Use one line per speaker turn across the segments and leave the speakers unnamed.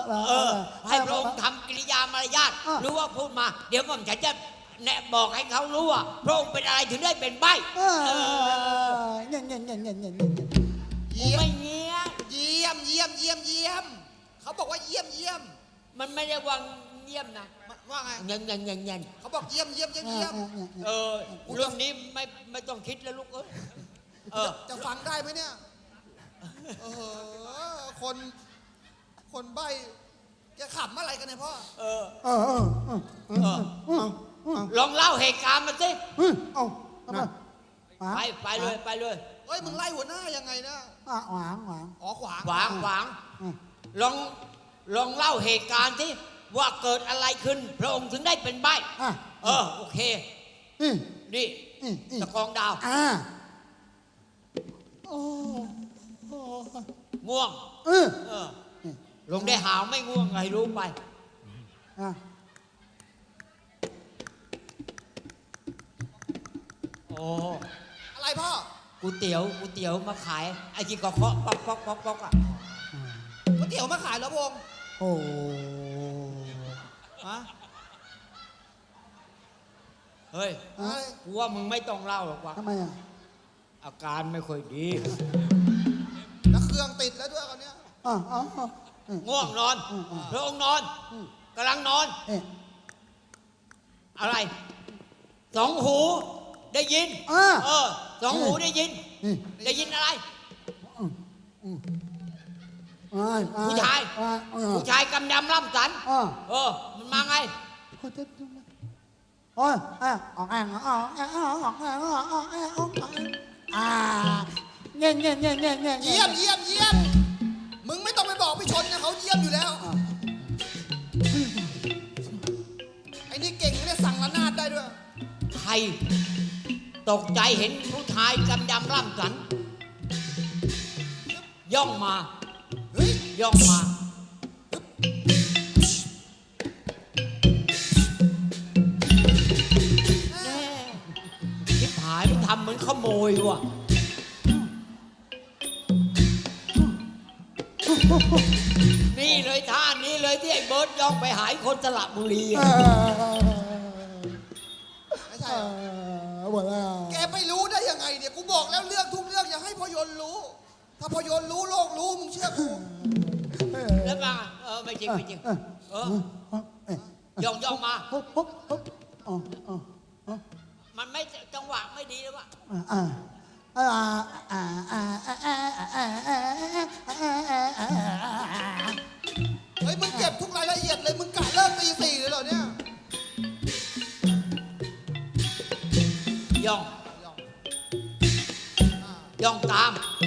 ให้พระองค์ทำกิริยามารยาทหรือว่าพูดมาเดี๋ยวผมจะแนะบอกให้เขารู้ว่าพระองค์เป็นอะไรถึงได้เป็นใบ้
เงี้ย
ไม่เงี้ย
เยี่ยมเขาบอกว่าเยี่ยม
มันไม่ได้ว่าเยี่ยมนะ
ว่าไง
เงี้ย
เขาบอกเยี่ยม
เรื่องนี้ไม่ต้องคิดแล้วลูก
จะฟังได้ไหมเนี่ยคนใบ้จะขำอะไรกันเนี่ยพ่อ
ลองเล่าเหตุการณ์มาสิไปเลย
เฮ้ยมึงไล่หัวหน้ายังไงนะ
ขวาง
อ๋อขวาง
ลองเล่าเหตุการณ์สิว่าเกิดอะไรขึ้นพระองค์ถึงได้เป็นใบ้โอเคนี่ตะกองดาวง่วงลงได้หาวไม่ง่วงไงรู้ไป
อะไรพ่อ
ก๋วยเตี๋ยวมาขายไอ้ที่ก็เคาะป๊อกอ่ะ
ก๋วยเตี๋ยวมาขายแล้วพง
เฮ้ยกูว่ามึงไม่ต้องเล่าหรอกวะ
ทำไม
อาการไม่ค่อยดี
แล้วเครื่องติดแล้วด้วยคนเนี้ย
ง่วงนอนพระองค์นอนกำลังนอนอะไรสองหูได้ยินสองหูได้ยินอะไรผู้ชายกำยำล่ำสันมันมาไง
เงี้
ยมึงไม่ต้องไปบอกพี่ชนนะเขาเยี่ยมอยู่แล้วไอ้นี่เก่งเนี่ยสั่งระนาดได้ด้วย
ใครตกใจเห็นผู้ชายกำยำล่ำสันย่องมาคิดหายมันทำเหมือนขโมยว่ะนี่เลยท่านี้เลยที่ไอ้เบิร์ดย่องไปหายคนสระบุรี
ไม่ใช่แกไม่รู้ได้ยังไงเนี่ยกูบอกแล้วเรื่องทุกเรื่องอย่าให้พยนต์รู้ถ้าพยนต์รู้โลกรู้มึงเชื่อกู
แล้วมาไม่จริงย่องมามันไม่จังหวะไม่ดีหรือวะ
เฮ้ยมึงเก็บทุกรายละเอียดเลยมึงกะเลิกตี 4เลยเหรอเนี่ย
ย่องตาม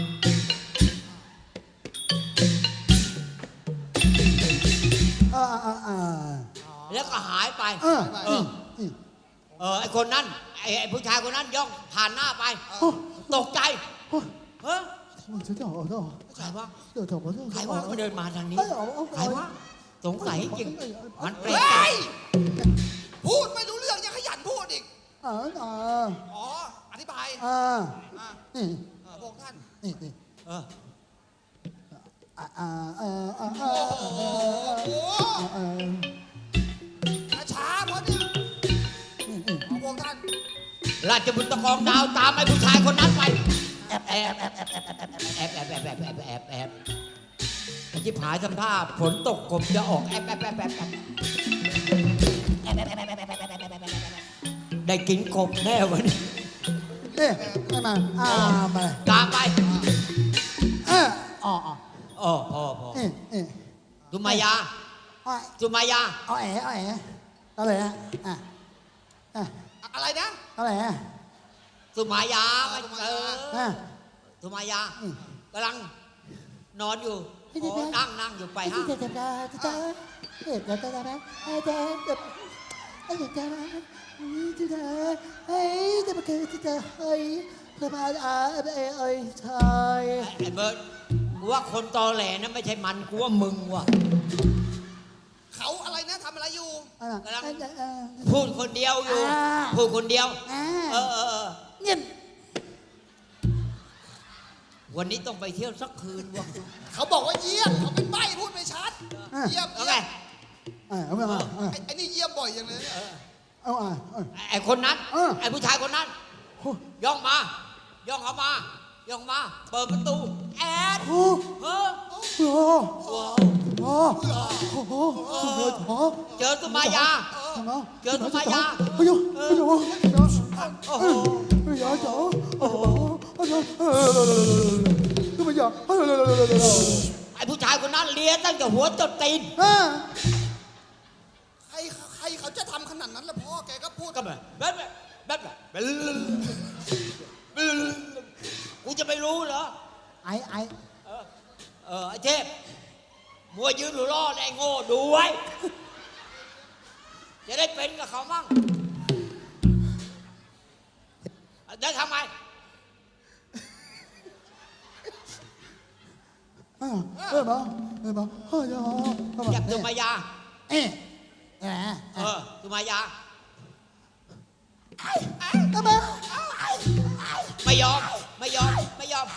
แล้วก็หายไปไอ้คนนั้นไอ้ผู้ชายคนนั้นย่องผ่านหน้าไปตกใจใครวะมันเดินมาทางนี้ใครวะสงสัยจริงมันเปรต
พูดไม่รู้เรื่องยังขยันพูดอีกอธิบายพวกท่านช้าเพราะเนี่ยพวกท่าน
ราชบุตรตะกองดาวตามไอ้ผู้ชายคนนั้นไปแอบไอ้ที่ผายทำท่าฝนตกกบจะออกแอบได้กินกบแน่วันนี้
มา
ตามไปพอสุมายา
อะไรนะ
อะไรนะ
อะไร
สุมายาสุมายากำลังนอนอยู่นั่งอยู่ไปห้าง
ไอ้เ
บิร์ดกูว่าคนตอแหลนะไม่ใช่มันกูว่ามึงว่ะ
เขาอะไรนะทำอะไรอยู่
กำลังพูดคนเดียวอยู่พูดคนเดียว
เงียบ
ววันนี้ต้องไปเที่ยวสักคืนวะ
เขาบอกว่าเยี่ยมเขาเป็นใบ้พูดไม่ชัด เยี่ยม
เอา
เยี่
ไง
ยม
เอาไปมา
ไอ้นี่เยี่ยมบ่อยอย่างเลยเนี่ย
เอา
ไอ้คนนั้น
เออ
ไอ้ผู้ชายคนนั้น ย่องมา ย่องเข้ามา ย่องมา เปิดประตู แอด
โอ้
เฮ้อ
โห
ว้าว
โอ้โหโอ้โห
เจอสุมายา เจอสุมายา
เฮ้ยเฮ้ย
โอ้โห
เฮ้ยจ๋าโอ้โหทำไมจ๋า
ไอ้ผู้ชายคนนั้นเลียตั้งแต่หัวจนตีน
ใครเขาจะทำขนาดนั้นล่ะพ่อแกก็พูด
ก็แบบกูจะไม่รู้เหรอ
ไอ้
ไอ้เทพมัวยืนหรือรอดไอ้โง่ดูไว้ จะได้เป็นกับเขามั่งได้ทำไม
เฮ้ยบ้าเฮ้ยบ้าเฮ้ยจ๋า
อยากสุมายา สุมายา
ทำไม
ไม่ยอม ไม่ยอม ไม่ยอม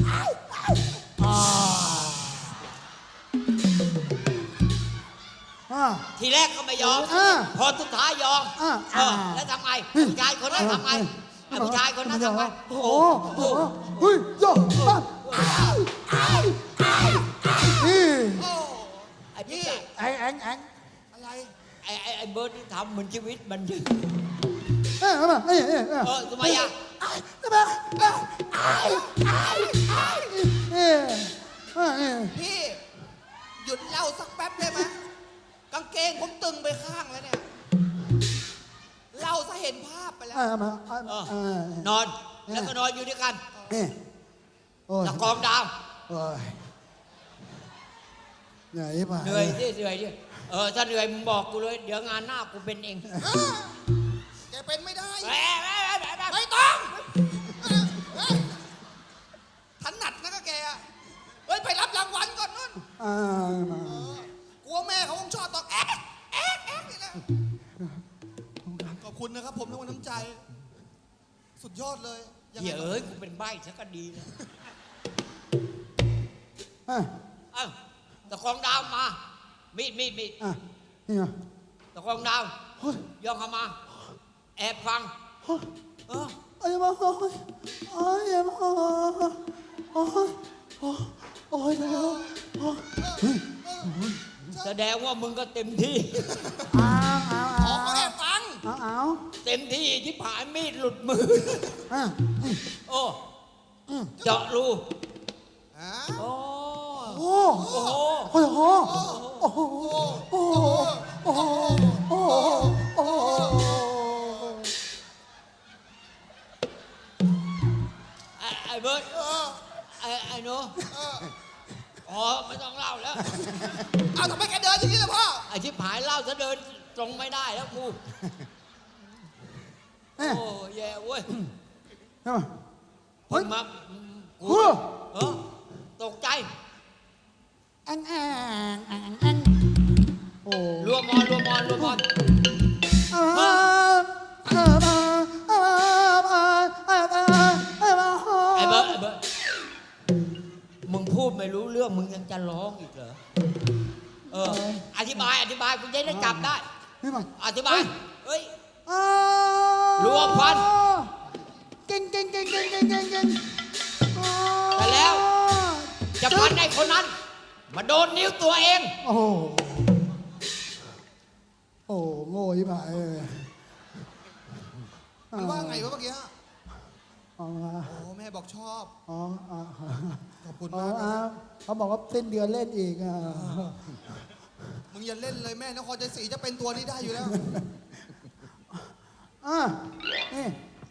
ทีแรกก็ไม่ยอม พอสุดท้ายยอม แล้วทำไงผู้ชายคนนั้นทำไงไอ้ผู้ชายคนนั้นทำไง
โอ้โหเฮ้ยจ๋านี่
โอ้
ไอ้พี่
ไอ้
อะไร
ไอ้เบิร์ดที่ทำเหมือนชีวิตมันอยู่ สุมายา
พี่หยุดเล่าสักแป๊บได้ไหมกางเกงผมตึงไปข้างแล้วเนี่ยเล่าซะเห็นภาพไปแล้ว
นอน แล้วก็นอนอยู่ด้วยกัน
โอ้ย
ตะกองดาว
โอ้ยเหนื่อยป่ะ
เหนื่อยดิเหนื่อยดิถ้าเหนื่อยมึงบอกกูเลย เดี๋ยวงานหน้ากูเป็นเอง
แกเป็นไม่ได้
แหม
ไม่ต้องถนัดนะก็แกอะเฮ้ยไปรับรางวัลก่อนนู่นกลัวแม่เขาคงชอบตอกแอ๊กนี่แหละขอบคุณนะครับผมในวันน้ำใจ สุดยอดเลยยังไง
เหี้ยเอ้ยกูเป็นใบ้ซะก็ดีเลยตะกองดาวมา มีด
นี่ไง
ตะกองดาวย่องเข้ามา แอบฟัง
ไอ้บ้าโอ้ยบ้าโอ้ยเดี๋ยว
แสดงว่ามึงก็เต็มที่
ขอเขาแอบฟัง
เต็มที่ที่ผ่านมีดหลุดมือ โอ้เจาะรู โอ้
โอ้โหโอ้โหโอ้โหโอ้โหโอ้โหโอ้โหโอ้โห
ไอ้เบิร์ดไอ้หนูไม่ต้องเล่าแล้ว
เอาทำไมแกเดินอย่างนี้ล่ะพ่อ
ไอ้ชิบหายเล่าจะเดินตรงไม่ได้แล้วกู โอ้แย่เว้ยเพิ่งมากูตกใจ
โอ้
รวมมอน ไอ้เบิร์ดมึงพูดไม่รู้เรื่องมึงยังจะร้องอีกเหรออธิบายกูจะได้จับได้ อธิบาย เฮ้ย รวมพัน
เก่ง
แต่แล้วจะพันไอ้คนนั้น มาโดนนิ้วตัวเอง
โอ้โหโอ้โง่ยิ่งไป
มันว่าไงวะเมื่อกี้
อ๋อ
โอ้แม่บอกชอบ
อ๋อ
ขอบคุณมากนะ
เขาบอกว่าสิ้นเดือนเล่นอีกอ่ะ
มึงอย่าเล่นเลยแม่นครใจศรีจะเป็นตัวนี้ได้อยู่แล้ว
นี่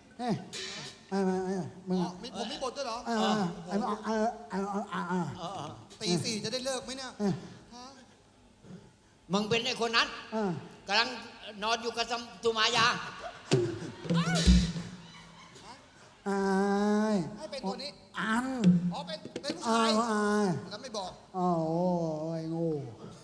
มึง
ผมมีบทด้วยเหรอ ตีสี่จะได้เลิกไหมเนี่ย
มึงเป็นไอ้คนนั้นกำลังนอนอยู่กับสุมายา
ให้เป็นตัวนี้
อัน
อ๋อเป็นผู้ชายแล้วไม่บอก
โอ้ยโง่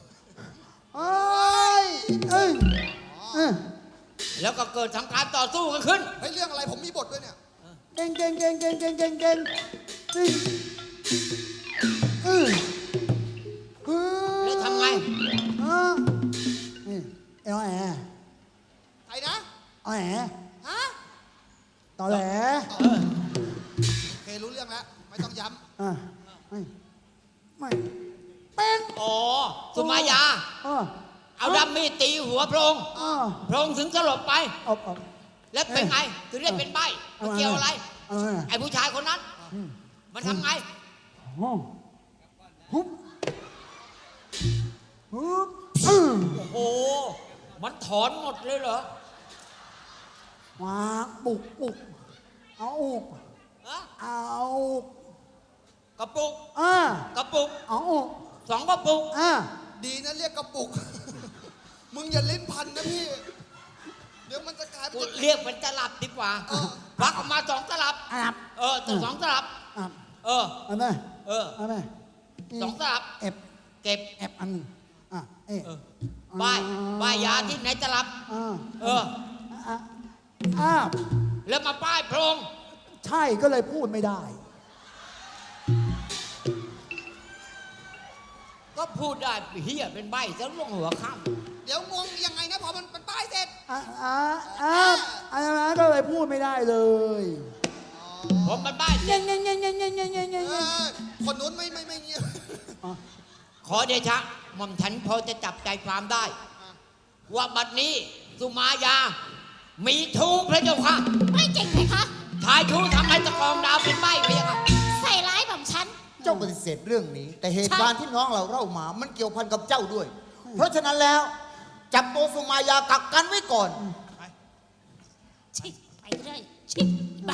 แล้วก็เกิดทำการต่อสู้กันขึ้น
เฮ้ยเรื่องอะไรผมมีบทด้วยเนี่ย
เก่งเออเออ
แล้วทำไง
นี่เอลแอ
ใครนะ
เอาแห
ฮะ
ตอแหล
เออ
โอเครู้เรื่องแล้ว ไม่ต้องย้
อ่ะไม่เป็น
อ๋อสุมายา
อ่ะ
เอาดัมมี่ตีหัวพระองค์
อ่ะ
พระองค์ถึงสลบไป
เอา
แล้วเป็นไง ถึงได้เป็นใบ้มันเกี่ยวอะไร
เอา
ไอ้ผู้ชายคนนั้น มันทำไง
ฮุบฮุบ
โอ้โห มันถอนหมดเลยเหรอ
วางบุกเอาอุก
ฮะ
เอา
กระปุก กระปุก
เอาอุก
2 กระปุก
ำดีนะเรียกกระปุก มึงอย่าลิ้นพันนะพี่ เดี๋ยวมันจะกลายเป็น
เรียกเป็นตลับดีกว่าควักออกมา2 ตลับ
อับ
แต่2 ตลับ
อับ
เออ
เอาไหม
เออ
เอาไหม
2 ตลับ
เอฟ
เก็บ
เอฟอันเอ๊ะ
ป้ายยาที่ไหนตลับ เออ แล้วมาป้ายพระองค์
ใช่ก็เลยพูดไม่ได้
ก็พูดได้เฮียเป็นใบ้ซะลงหัวค่
เดี๋ยวงงยังไงนะพอมันป้ายเสร็จ
อันนั้นก็เลยพูดไม่ได้เลย
ำผมมันใบ้เส
เงี้
ร็
ย
จ
เงี้ยเงี้ยเงี้ยเงี้ยเงี้ยเงี้ยเงี้ย
คนนู้นไม่เงียบ
ขอเดชะหม่อมฉันพอจะจับใจความได้ ว่าบัดนี้สุมายา มีทูพระเจ้าค่ะ
ไม่จริงไหมคะ
ชายชูทำให้ตะกองดาวเป็นใบ้พระเจ้าค่ะ
ใส่ร้ายแบบฉัน
เจ้าปฏิเสธเรื่องนี้ แต่เหตุการณ์ที่น้องเราเล่ามา มันเกี่ยวพันกับเจ้าด้วย เพราะฉะนั้นแล้ว จับตัวสุมายากักกันไว้ก่อน
ชิไปเรื่อยชิไป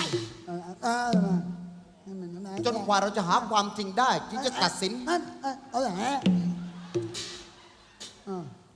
จนกว่าเราจะหาความจริงได้จึงจะตัดสิน
นั่นเอาอย่างนี้